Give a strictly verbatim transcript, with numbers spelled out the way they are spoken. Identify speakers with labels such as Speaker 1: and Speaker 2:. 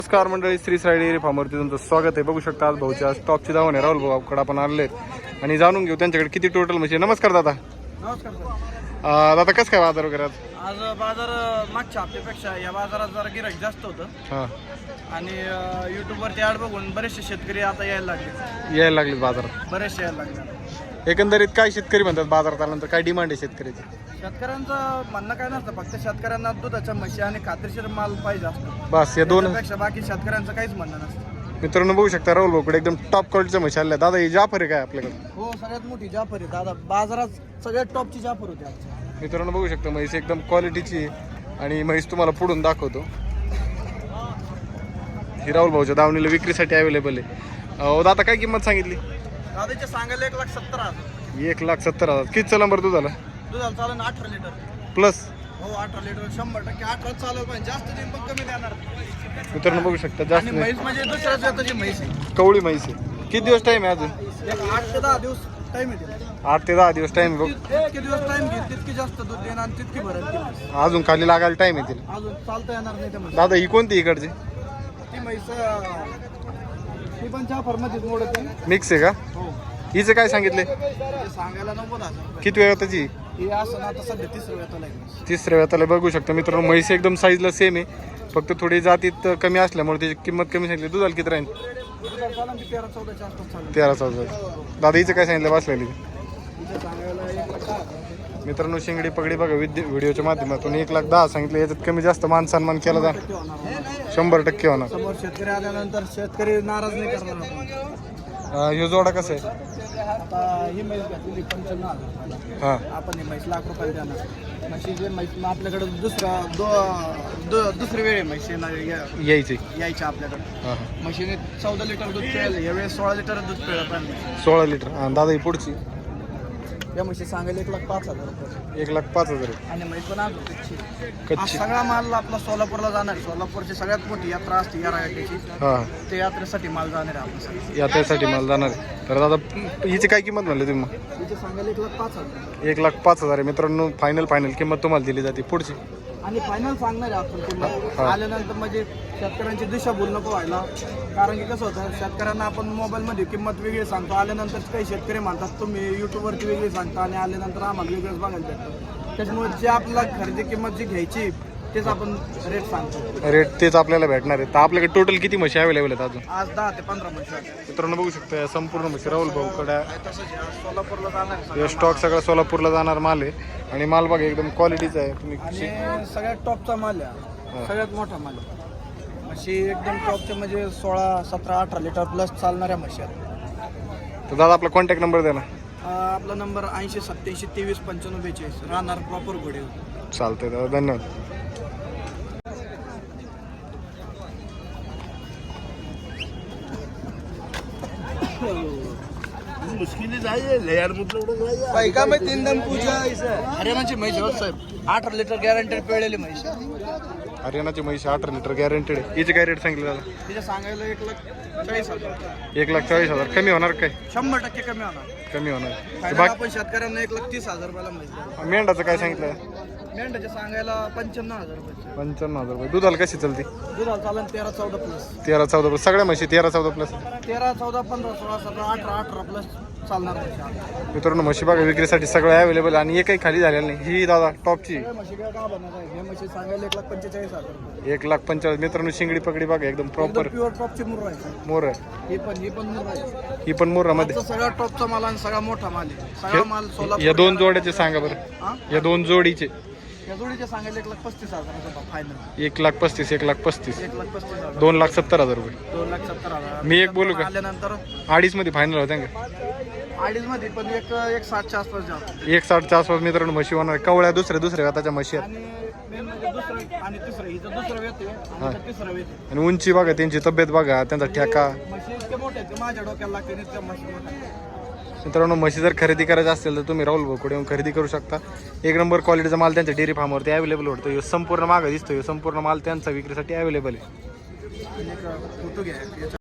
Speaker 1: नमस्कार मंडळी, श्री साई डेअरी फार्मवरती तुमचं स्वागत आहे. बघू शकता आज भाऊच्या स्टॉकची धावण आहे. राहुल भाऊकडे आपण आणले आणि जाणून घेऊ त्यांच्याकडे किती टोटल म्हशी. नमस्कार दादा.
Speaker 2: नमस्कार सर.
Speaker 1: अं, दादा कसं काय बाजार वगैरे आज?
Speaker 2: आज बाजार मागच्या हप्त्यापेक्षा या बाजारात जरा गिराईक जास्त होतं
Speaker 1: हां,
Speaker 2: आणि यूट्यूबवरती ॲड बघून बरेचसे शेतकरी आता यायला लागले,
Speaker 1: यायला लागले बाजारात.
Speaker 2: बरेचसे यायला लागले.
Speaker 1: एकंदरीत काय शेतकरी म्हणतात बाजारात आल्यानंतर, काय डिमांड आहे शेतकऱ्याची?
Speaker 2: शेतकऱ्यांचं म्हणणं काय नसतं, फक्त शेतकऱ्यांना दुधाच्या म्हशी आणि खात्रीशीर माल पाहिजे असतो.
Speaker 1: बस या दोन.
Speaker 2: त्यापेक्षा बाकी शेतकऱ्यांचं काहीच म्हणणं नसतं.
Speaker 1: मित्रांनो बघू शकता राहुल भाऊकडे एकदम टॉप क्वालिटीच्या म्हशी आल्या. दादा ही जाफर आहे काय आपल्याकडे?
Speaker 2: हो, सगळ्यात मोठी जाफर आहे दादा. बाजारात सगळ्यात टॉपची जाफर होती आजच्या.
Speaker 1: मित्रांनो बघू शकता म्हैस एकदम क्वालिटीची आणि म्हैस तुम्हाला पुढून दाखवतो. ही राहुल भाऊच्या दावणीला विक्रीसाठी अवेलेबल आहे. अहो दादा काय किंमत सांगितली?
Speaker 2: दादाचे सांगायला एक लाख सत्तर हजार.
Speaker 1: एक लाख सत्तर हजार. किती चला नंबर दुधाला?
Speaker 2: दुधाला चालेल अठरा लिटर
Speaker 1: प्लस.
Speaker 2: हो, अठरा लिटर शंभर टक्के अठरा चालेल, पण जास्त दिन पण कमी देणार.
Speaker 1: मित्रांनो बघू शकता जास्त
Speaker 2: आणि
Speaker 1: नाही.
Speaker 2: म्हैस म्हणजे दुसऱ्या जातीची म्हैस आहे.
Speaker 1: कवळी म्हैस आहे. किती दिवस टाइम आहे अजून?
Speaker 2: एक आठ ते दहा दिवस टाइम येते.
Speaker 1: आठ ते दहा दिवस टाइम बघ.
Speaker 2: जितके दिवस टाइम घेत तितकी जास्त दूध देणार आणि तितकी भरत ती.
Speaker 1: अजून खाली लागायला टाइम येतील.
Speaker 2: अजून चालता येणार नाही त्या म्हैस.
Speaker 1: दादा ही कोणती इकडची?
Speaker 2: ती म्हैस ती पण चहा फॉर्मध्येच मोडत आहे.
Speaker 1: मिक्स आहे का?
Speaker 2: हो,
Speaker 1: हिचं काय सांगितले?
Speaker 2: ते सांगायला नव्वद हजार.
Speaker 1: किती वेळ त्याची?
Speaker 2: ही असं ना आता सध्या तिसरं वेतन आहे.
Speaker 1: तिसऱ्या वेळाला बघू शकता मित्रांनो म्हैस एकदम साईजला सेम आहे, फक्त थोडी जातीत कमी असल्यामुळे त्याची किंमत कमी सांगितली. दुधाला किती राहील?
Speaker 2: दुधाला चालेल ती तेरा चौदाच्या आसपास चालेल.
Speaker 1: तेरा चौदा. दादा हिचं काय सांगितलं बसलेली?
Speaker 2: तिचं सांगायला एक लाख दहा हजार.
Speaker 1: मित्रांनो शिंगडी पगडी बघा विद्य व्हिडिओच्या माध्यमातून एक लाख दहा सांगितलं. याच्यात कमी जास्त मान सन्मान केला जा
Speaker 2: टक्के होणार.
Speaker 1: शंभर टक्के होणार.
Speaker 2: समोर शेतकरी आल्यानंतर शेतकरी नाराज नाही करणार आपण.
Speaker 1: अं, ह्यो जोडा कसं आहे?
Speaker 2: आता ही म्हैस घातलेली पंच्याण्णव हजार.
Speaker 1: हां,
Speaker 2: आपण ही म्हैस लाख रुपयाला देणार. म्हशी जे म्हैस मग आपल्याकडे दुसरा दो दु- दुसरी वेळ आहे म्हशी ना- या-
Speaker 1: यायची.
Speaker 2: यायच्या आपल्याकडे.
Speaker 1: हां हां.
Speaker 2: म्हशीने चौदा लिटर दूध पिळलं, यावेळेस सोळा लिटर दूध पिळलं. पण
Speaker 1: सोळा लिटर. हां दादा ही पुढची
Speaker 2: या म्हशी सांगायला एक लाख पाच हजार रुपये.
Speaker 1: एक लाख पाच हजार आहे.
Speaker 2: आणि म्हैस पण आज कच्ची. हा
Speaker 1: कच्ची.
Speaker 2: सगळा माल आपला सोलापूरला जाणार आहे. सोलापूरची सगळ्यात मोठी यात्रा असते या रायटेची.
Speaker 1: हां,
Speaker 2: ते यात्रेसाठी माल जाणार आहे आपल्या.
Speaker 1: यात्रेसाठी मला जाणार आहे. तर दादा हिची काय किंमत म्हणली तुम्ही मग?
Speaker 2: तिचे सांगायला एक लाख पाच हजार.
Speaker 1: एक लाख पाच हजार आहे. मित्रांनो फायनल फायनल किंमत तुम्हाला दिली जाते. पुढची
Speaker 2: आणि फायनल सांगणार आहे आपण किंमत.
Speaker 1: हा.
Speaker 2: आल्यानंतर म्हणजे शेतकऱ्यांची दिशा भूल नको व्हायला. कारण की कसं होतं, शेतकऱ्यांना आपण मोबाईलमध्ये किंमत वेगळी सांगतो, आल्यानंतर काही शेतकरी म्हणतात तुम्ही यूट्यूबवरती वेगळी सांगता आणि आल्यानंतर आम्हाला वेगळंच बघायला भेटतं. त्याच्यामुळे जे आपल्याला खरेदी किंमत जी घ्यायची तेच आपण रेट सांगतो.
Speaker 1: रेट तेच आपल्याला भेटणार आहे. तर आपल्याकडे टोटल किती म्हशी अवेलेबल आहेत अजून?
Speaker 2: आज दहा ते पंधरा म्हशी आहेत.
Speaker 1: मित्रांनो बघू शकता या संपूर्ण म्हशी राहुल भाऊकडे
Speaker 2: तसंच आज सोलापूरला जाणार आहे
Speaker 1: हे
Speaker 2: सगळा
Speaker 1: स्टॉक सगळा सोलापूरला जाणार माल आहे. आणि माल बघा एकदम क्वालिटीचा आहे. तुम्ही
Speaker 2: माल. आणि सगळ्यात टॉपचा माल आहे, सगळ्यात मोठा माल आहे. म्हशी एकदम टॉपचे म्हणजे सोळा सतरा अठरा लिटर प्लस चालणाऱ्या म्हशी आहेत.
Speaker 1: तर दादा आपला कॉन्टॅक्ट नंबर द्या ना.
Speaker 2: अं, आपला नंबर ऐंशी सत्याऐंशी तेवीस पंच्याण्णव बेचाळीस. राहणार प्रॉपर घोडे.
Speaker 1: चालतंय दादा, धन्यवाद.
Speaker 2: हरियाणाची म्हैस आहे साहेब. अठरा लिटर गॅरंटेड पिळलेली म्हैस.
Speaker 1: हरियाणाची म्हैशी अठरा लिटर गॅरंटेड आहे. हिचे काय रेट सांगितलं दादा?
Speaker 2: तिथे सांगायला एक लाख चाळीस हजार.
Speaker 1: एक लाख चाळीस हजार. कमी होणार काय?
Speaker 2: शंभर टक्के कमी होणार.
Speaker 1: कमी होणार.
Speaker 2: फायनल
Speaker 1: बाकी
Speaker 2: आपण शेतकऱ्यांना एक लाख तीस हजार रुपयाला म्हैस.
Speaker 1: मेंढाचं काय सांगितलं?
Speaker 2: मेंढ्याचे सांगायला पंच्याण्णव हजार रुपये.
Speaker 1: पंच्याण्णव हजार रुपये. दुधाला कशी चालते?
Speaker 2: दुधाला चालन तेरा चौदा प्लस.
Speaker 1: तेरा चौदा प्लस. सगळ्या म्हशी तेरा चौदा प्लस.
Speaker 2: तेरा चौदा पंधरा सोळा सतरा अठरा अठरा प्लस चालणार म्हशी.
Speaker 1: मित्रांनो म्हशी बघा विक्रीसाठी सगळं अवेलेबल आणि एकही खाली झालेलं नाही. ही दादा टॉपची
Speaker 2: सगळ्या म्हशी काय का बनत आहे? हे म्हशी सांगायला एक लाख पंचेचाळीस हजार रुपये.
Speaker 1: एक लाख पंचाळीस. मित्रांनो शिंगडी पगडी बघा एकदम प्रॉपर
Speaker 2: प्युअर टॉपची मुर्रा आहे.
Speaker 1: मोर आहे.
Speaker 2: ही पण ही पण मुर्रा आहे.
Speaker 1: ही पण मोरामध्ये.
Speaker 2: आजचा सगळा टॉपचा माल आणि सगळा मोठा माल आहे. सगळा माल सोलापूर.
Speaker 1: या दोन जोड्याचे सांगा बरं.
Speaker 2: हा?
Speaker 1: या दोन जोडीचे
Speaker 2: या जोडीचे सांगायला एक लाख पस्तीस हजार फायनल.
Speaker 1: एक लाख पस्तीस. एक लाख पस्तीस.
Speaker 2: एक लाख पस्तीस हजार.
Speaker 1: दोन लाख सत्तर हजार रुपये.
Speaker 2: दोन लाख सत्तर हजार.
Speaker 1: मी एक बोलू का?
Speaker 2: आल्यानंतर
Speaker 1: अडीच मध्ये फायनल होत्या का?
Speaker 2: अडीच मध्ये पण एक एक सातच्या आसपास जातो.
Speaker 1: एक साठच्या आसपास मित्रांनो म्हशी होणार. कवळ्या दुसऱ्या दुसऱ्या हाताच्या म्हशी आहेत.
Speaker 2: आणि मेन म्हणजे दुसरं आणि तिसरं हिचं दुसरं वेत आहे आणि हिचं तिसरं वेत आहे.
Speaker 1: आणि उंची बघा त्यांची तब्येत बघा त्यांचा ठेका.
Speaker 2: म्हशी इतके मोठे आहेत, ते माझ्या डोक्याला लागते आणि इतक्या म्हशी मोठ्या आहेत.
Speaker 1: मित्रांनो म्हशी जर खरेदी करायची असेल तर तुम्ही राहुल भाऊकडे येऊन खरेदी करू शकता. एक नंबर क्वालिटीचा माल त्यांच्या डेअरी फार्मवरती अवेलेबल होतो. ह्यो संपूर्ण मागं दिसतो. ह्यो संपूर्ण माल त्यांचा विक्रीसाठी अवेलेबल आहे.
Speaker 2: आणि एक फोटो घ्या.